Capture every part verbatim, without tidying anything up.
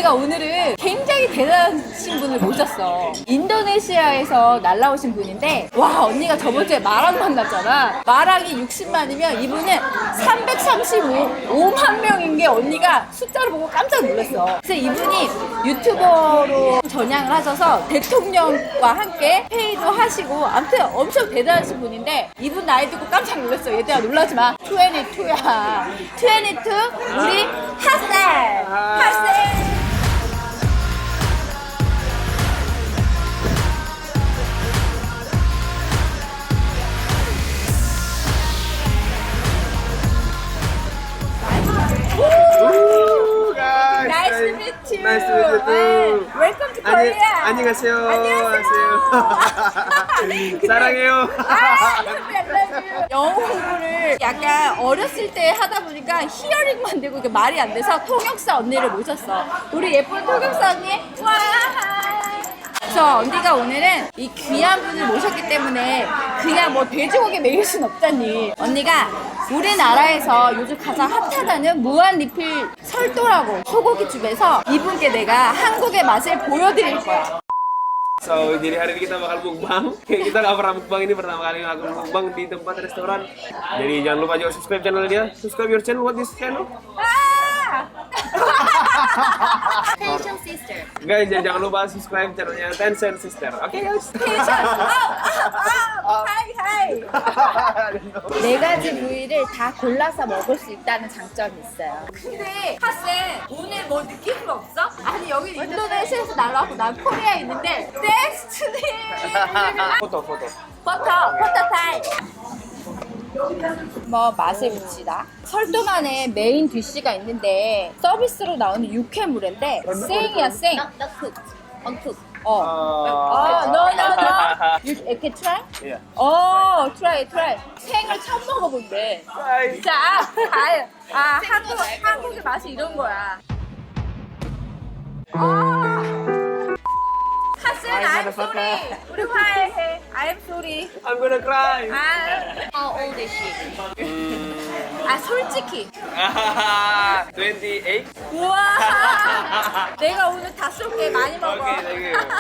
언니가 오늘은 굉장히 대단하신 분을 모셨어. 인도네시아에서 날라오신 분인데, 와, 언니가 저번주에 마랑 만났잖아. 마랑이 육십만이면 이분은 삼백삼십오만 명인 게 언니가 숫자를 보고 깜짝 놀랐어. 그래서 이분이 유튜버로 전향을 하셔서 대통령과 함께 회의도 하시고, 아무튼 엄청 대단하신 분인데, 이분 나이 듣고 깜짝 놀랐어. 얘들아 놀라지 마. 이십이야. 이십이 우리 핫살. 핫살. Ooh, guys. Nice to meet you. Nice to meet you too. Welcome to Korea. 안녕하세요. 안녕하세요. 사랑해요. 아, 영어 공부를 약간 어렸을 때 하다 보니까 히어링만 되고 이게 말이 안 돼서 통역사 언니를 모셨어. 우리 예쁜 통역사 언니. 와. 그래서 언니가 오늘은 이 귀한 분을 모셨기 때문에 그냥 뭐 돼지고기 먹일 순 없잖니. 언니가 우리나라에서 요즘 가장 핫하다는 무한 리필 설도라고 소고기집에서 이분께 내가 한국의 맛을 보여드릴 거야. So, jadi hari ini kita bakal mukbang. Kita nggak pernah mukbang, ini pertama kali aku mukbang di tempat restoran. Jadi jangan lupa juga subscribe channel dia. Subscribe your channel. What is channel? 아! Tension Sister. Guys, jangan, jangan lupa subscribe channelnya Tension Sister. Oke guys. 텐션. 아, 아, 하이 하이. 네 가지 부위를 다 골라서 먹을 수 있다는 장점이 있어요. 근데 하쌤 오늘 뭐 느낀 거 없어? 아니 여기 인도네시아에서 날라왔고 난 코리아에 있는데 데스티니. Foto, foto. 버터 버터 타임. 뭐 맛을 붙이다. 설도만의 메인 디쉬가 있는데 서비스로 나오는 육회물인데 생이야 생. Not not cooked. Uncooked. 어. 아, no, no, no. You, 이렇게 try? Iya. 어, try, try. 생을 처음 먹어본대. Bye. 자, 아, 아, 한국, 한국의 맛이 이런 거야. 아, 하슨, I'm sorry. 우리 화해해. I'm sorry. I'm gonna cry. 아, How old is she? 아, 솔직히. twenty-eight. 우와. 내가 오늘 다 쏠게. 많이 먹어. Okay, thank you.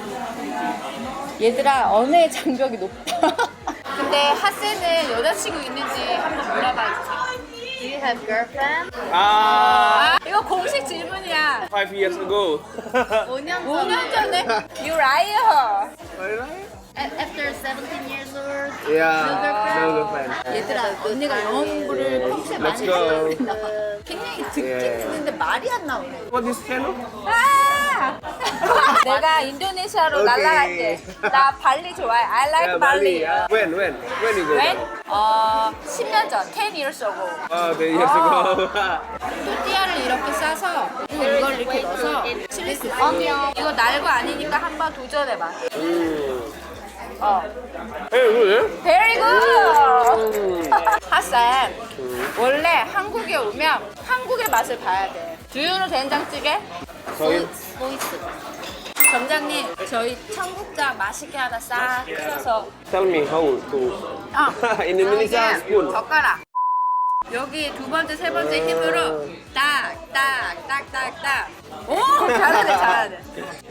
얘들아, 언어의 장벽이 높다. 근데 하세는 여자친구 있는지 한번 물어봐야지. Do you have girlfriend? Ah, 아, 이거 공식 질문이야. five years ago. 오 년 오 년 전에. 전에 You liar. A- After seventeen years old. Yeah, no girlfriend. 얘들아, 언니가 영어 공부를 평소에 많이 Let's go. 하려고 했나 봐. 굉장히 듣긴 Yeah. 듣는데 말이 안 나오네. What is channel? 아! 내가 인도네시아로 오케이. 날아갈게. 나 발리 좋아해. I like Yeah, 발리. Bali. When, when, when you go? When? 어, 십 년 전, ten years ago. Oh, ten years ago. 또띠아를 이렇게 싸서 이걸 이렇게 넣어서 칠리 소스. 이거 날 거 아니니까 한번 도전해봐. mm. 어. Hey, good. Very good. 하쌤, 원래 한국에 오면 한국의 맛을 봐야 돼. 두유는 된장찌개? Sorry. 보이스. 점장님, 저희 청국장 맛있게 하나 싹 끓여서. Tell me how to. 아, In Indonesia, spoon. 젓가락. 여기 두 번째, 세 번째 힘으로 딱, 딱, 딱, 딱, 딱. 오, 잘하네, 잘하네.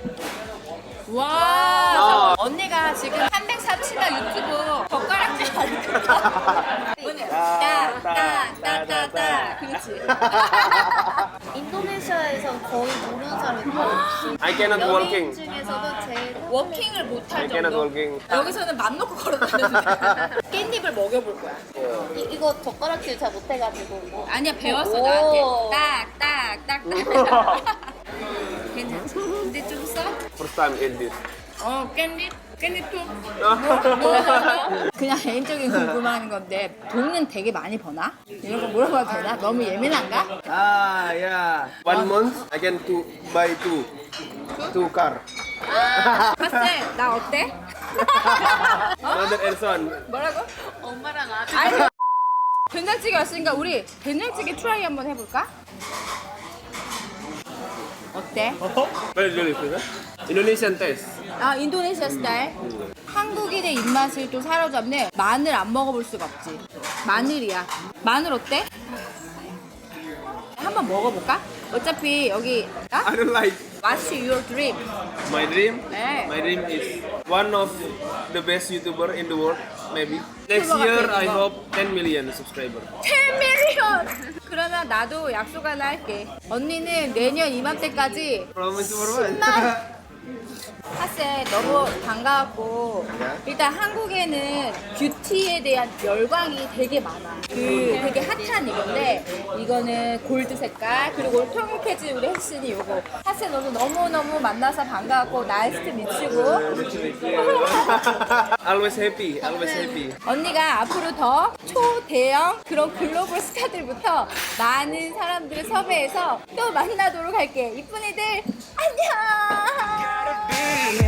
와, 언니가 지금 삼백삼십만 유튜브 젓가락질 하니까. 언니, 딱, 딱, 딱, 딱, 딱. 그렇지. 인도네시아에선 거의 모르는 사람이 거의 없어. I cannot 연예인 walking. 중에서도 제일 워킹을 I 못할 cannot 정도. walking. 여기서는 맘 놓고 걸어다니는 깻잎을 먹여볼 거야. 이, 이거 젓가락질 잘 못해가지고. 아니야, 배웠어, 오. 나한테. 딱, 딱, 딱, 딱. 괜찮지? 근데 좀 써? First time eat this. 어, 깻잎? 깻잎 좀. 뭐, 뭐, 그냥 개인적인 궁금한 건데, 돈은 되게 많이 버나? 이런 거 물어봐도 되나? 너무 예민한가? Ah, yeah. One month, I can to buy two, two car. 하쌤, 나 어때? 어? Mother and son. 뭐라고? 엄마랑 아들. 아니, 된장찌개 왔으니까 우리 된장찌개 트라이 한번 해볼까? 어때? Very delicious. Indonesian taste. 아, 인도네시아 스타일? 한국인의 입맛을 또 사로잡네. 마늘 안 먹어볼 수가 없지. 마늘이야. 마늘 어때? 한번 먹어볼까? 어차피 여기 아? I don't like. What's your dream? My dream, 네. my dream is one of the best YouTuber in the world, maybe. Next YouTuber year, 같은 I 거. hope ten million subscriber. ten million! 그러면 나도 약속 하나 할게. 언니는 내년 이맘때까지 Promise for 십만 하세 너무 반가웠고 네. 일단 한국에는 뷰티에 대한 열광이 되게 많아. 그 되게 핫한 이건데 이거는 골드 색깔 그리고 통역해줄 우리 혜신이 요거. 하세 너도 너무너무 만나서 반가웠고 나이스트 미치고 Always happy, always happy. 언니가 앞으로 더 초대형 그런 글로벌 스타들부터 많은 사람들을 섭외해서 또 만나도록 할게. 이쁜 애들 안녕.